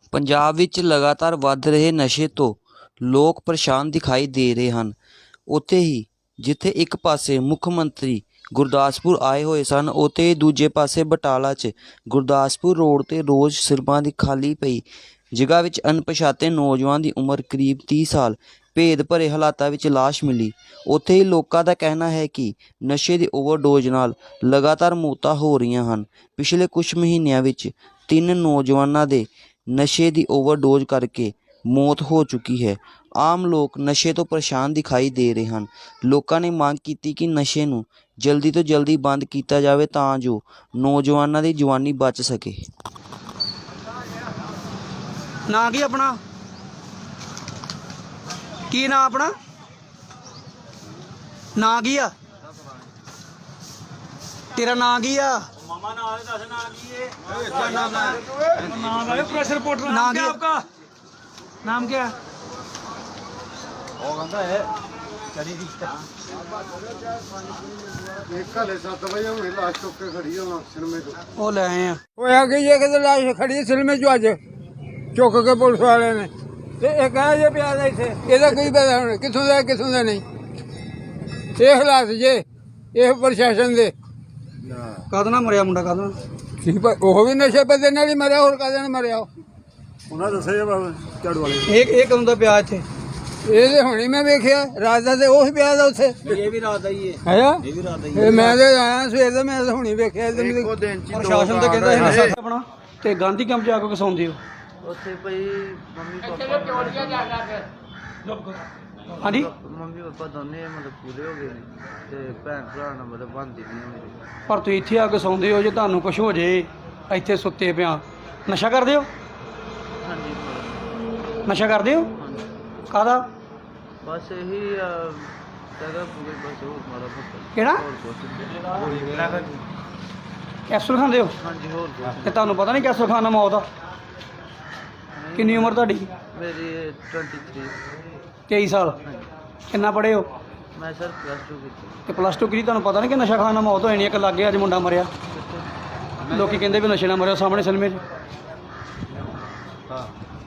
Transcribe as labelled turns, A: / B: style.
A: ਪੰਜਾਬ ਵਿੱਚ ਲਗਾਤਾਰ ਵੱਧ ਰਹੇ ਨਸ਼ੇ ਤੋਂ ਲੋਕ ਪਰੇਸ਼ਾਨ ਦਿਖਾਈ ਦੇ ਰਹੇ ਹਨ। ਉੱਥੇ ਹੀ ਜਿੱਥੇ ਇੱਕ ਪਾਸੇ ਮੁੱਖ ਮੰਤਰੀ ਗੁਰਦਾਸਪੁਰ ਆਏ ਹੋਏ ਸਨ, ਉੱਥੇ ਦੂਜੇ ਪਾਸੇ ਬਟਾਲਾ 'ਚ ਗੁਰਦਾਸਪੁਰ ਰੋਡ 'ਤੇ ਰੋਜ਼ ਸਿਰਫਾਂ ਦੀ ਖਾਲੀ ਪਈ ਜਗ੍ਹਾ ਵਿੱਚ ਅਣਪਛਾਤੇ ਨੌਜਵਾਨ ਦੀ ਉਮਰ ਕਰੀਬ 30 ਸਾਲ ਭੇਦ ਭਰੇ ਹਾਲਾਤਾਂ ਵਿੱਚ ਲਾਸ਼ ਮਿਲੀ। ਉੱਥੇ ਹੀ ਲੋਕਾਂ ਦਾ ਕਹਿਣਾ ਹੈ ਕਿ ਨਸ਼ੇ ਦੀ ਓਵਰਡੋਜ਼ ਨਾਲ ਲਗਾਤਾਰ ਮੌਤਾਂ ਹੋ ਰਹੀਆਂ ਹਨ। ਪਿਛਲੇ ਕੁਝ ਮਹੀਨਿਆਂ ਵਿੱਚ 3 ਨੌਜਵਾਨਾਂ ਦੇ ਨਸ਼ੇ ਦੀ ਓਵਰਡੋਜ਼ ਕਰਕੇ ਮੌਤ ਹੋ ਚੁੱਕੀ ਹੈ। ਆਮ ਲੋਕ ਨਸ਼ੇ ਤੋਂ ਪਰੇਸ਼ਾਨ ਦਿਖਾਈ ਦੇ ਰਹੇ ਹਨ। ਲੋਕਾਂ ਨੇ ਮੰਗ ਕੀਤੀ ਕਿ ਨਸ਼ੇ ਨੂੰ ਜਲਦੀ ਤੋਂ ਜਲਦੀ ਬੰਦ ਕੀਤਾ ਜਾਵੇ ਤਾਂ ਜੋ ਨੌਜਵਾਨਾਂ ਦੀ ਜਵਾਨੀ ਬਚ ਸਕੇ।
B: ਨਾਂ ਕੀ ਆਪਣਾ? ਕੀ ਨਾਂ ਆਪਣਾ? ਨਾਂ ਕੀ ਆ ਤੇਰਾ? ਨਾਂ ਕੀ ਆ?
C: मामा नाम है, दस नाम की है। क्या नाम है? नाम है प्रेस रिपोर्टर।
B: नाम
C: क्या
B: क्या?
C: आपका? नाम क्या है?
D: ਉਹ ਕਹਿੰਦਾ ਹੈ ਕਰੀ ਰਿਸ਼ਤਾ ਇੱਕ ਹਲੇ 7 ਵਜੇ ਹੁਣੇ ਲਾਸ਼ ਚੁੱਕ ਕੇ ਖੜੀ ਹੋਣਾ ਸਿਨੇਮੇ ਤੋਂ।
B: ਉਹ ਲੈ ਆਏ ਆ।
E: ਹੋਇਆ ਕਿ ਜੇ ਕਿਤੇ ਲਾਸ਼ ਖੜੀ ਸਿਲਮੇ ਚ ਅੱਜ ਚੁੱਕ ਕੇ ਪੁਲਿਸ ਵਾਲੇ ਨੇ ਤੇ ਇਹ ਕਹੇ ਜੇ ਪਿਆ ਦਾ ਇੱਥੇ ਇਹਦਾ ਕੋਈ ਪਤਾ ਹੁਣ ਕਿੱਥੋਂ ਦਾ ਨਹੀਂ। ਇਹ ਹਾਲਾਤ ਜੇ ਇਹ ਪ੍ਰਸ਼ਾਸਨ ਦੇ
B: ਕਦ ਨਾ ਮਰਿਆ ਮੁੰਡਾ? ਕਦ
E: ਉਹ ਵੀ ਨਸ਼ੇ ਪੱਤੇ ਨਾਲ ਹੀ ਮਰਿਆ, ਹੋਰ ਕਾਹਦੇ ਨਾਲ ਮਰਿਆ?
D: ਉਹਨਾਂ ਦੱਸਿਆ ਝਾੜੂ ਵਾਲੇ
B: ਇਹ ਕਦੋਂ ਦਾ ਪਿਆ ਇੱਥੇ?
E: ਇਹ ਤੇ ਹੁਣੀ ਮੈਂ ਵੇਖਿਆ ਰਾਤ ਦਾ, ਤੇ ਉਹ ਪਿਆ ਦਾ ਉੱਥੇ।
B: ਇਹ ਵੀ ਰਾਤ ਦਾ ਹੀ ਹੈ।
E: ਹੈਗਾ
B: ਇਹ ਵੀ ਰਾਤ ਦਾ ਹੀ
E: ਇਹ ਮੈਂ ਤੇ ਆਇਆ ਸਵੇਰ ਦਾ, ਮੈਂ ਤਾਂ ਹੁਣੀ ਵੇਖਿਆ।
D: ਇੱਕੋ ਦਿਨ ਚ
B: ਪ੍ਰਸ਼ਾਸਨ ਤਾਂ ਕਹਿੰਦਾ ਇਹ ਨਸ਼ਾ ਆਪਣਾ ਤੇ ਗਾਂਧੀ ਕੈਂਪ ਜਾ ਕੇ ਕਸਾਉਂਦੇ ਹੋ
F: ਉੱਥੇ ਭਾਈ ਮੰਮੀ ਪਾਪਾ
B: ਹਾਂਜੀ।
F: ਮੰਮੀ ਪਾਪਾ ਦੋਨੇ ਮਤਲਬ ਪੂਰੇ ਹੋ ਗਏ ਨੇ ਤੇ ਭੈਣ ਭਰਾ ਨਾਲ ਮਤਲਬ ਬਣਦੀ ਨਹੀਂ ਮੇਰੀ।
B: ਪਰ ਤੁਸੀਂ ਇੱਥੇ ਆ ਕੇ ਸੌਂਦੇ ਹੋ, ਜੇ ਤੁਹਾਨੂੰ ਕੁਝ ਹੋ ਜੇ ਇੱਥੇ ਸੁੱਤੇ ਪਿਆ। ਨਸ਼ਾ ਕਰਦੇ ਹੋ?
F: ਹਾਂਜੀ
B: ਨਸ਼ਾ ਕਰਦੇ ਹੋ?
F: ਹਾਂਜੀ
B: ਕਾਹਦਾ?
F: ਬਸ ਇਹੀ ਜਗ੍ਹਾ ਪੂਰੇ ਬਸ ਹੋਰ ਮਾਰਾ ਪੁੱਤ
B: ਕਿਹੜਾ?
F: ਹੋਰ ਕੁਛ
B: ਕੈਪਸੂਲ ਖਾਂਦੇ ਹੋ?
F: ਹਾਂਜੀ ਹੋਰ ਕੁਛ
B: ਤੇ ਤੁਹਾਨੂੰ ਪਤਾ ਨਹੀਂ ਕੈਪਸੂਲ ਖਾਣ ਨਾਲ ਮੌਤ ਆ? ਕਿੰਨੀ ਉਮਰ ਤੁਹਾਡੀ?
F: ਮੇਰੀ 23
B: 23 ਸਾਲ। ਕਿੰਨਾ ਪੜ੍ਹੇ ਹੋ?
F: ਮੈਂ ਸਰ +2 ਕੀਤੀ।
B: ਤੇ +2 ਕੀਤੀ, ਤੁਹਾਨੂੰ ਪਤਾ ਨਹੀਂ ਕਿ ਨਸ਼ਾ ਖਾਣ ਨਾਲ ਮੌਤ ਹੋ ਜਾਣੀ? ਇੱਕ ਲੱਗੇ ਅੱਜ ਮੁੰਡਾ ਮਰਿਆ, ਲੋਕੀ ਕਹਿੰਦੇ ਵੀ ਨਸ਼ੇ ਨਾਲ ਮਰਿਆ ਸਾਹਮਣੇ ਸਿਨੇਮੇ 'ਚ।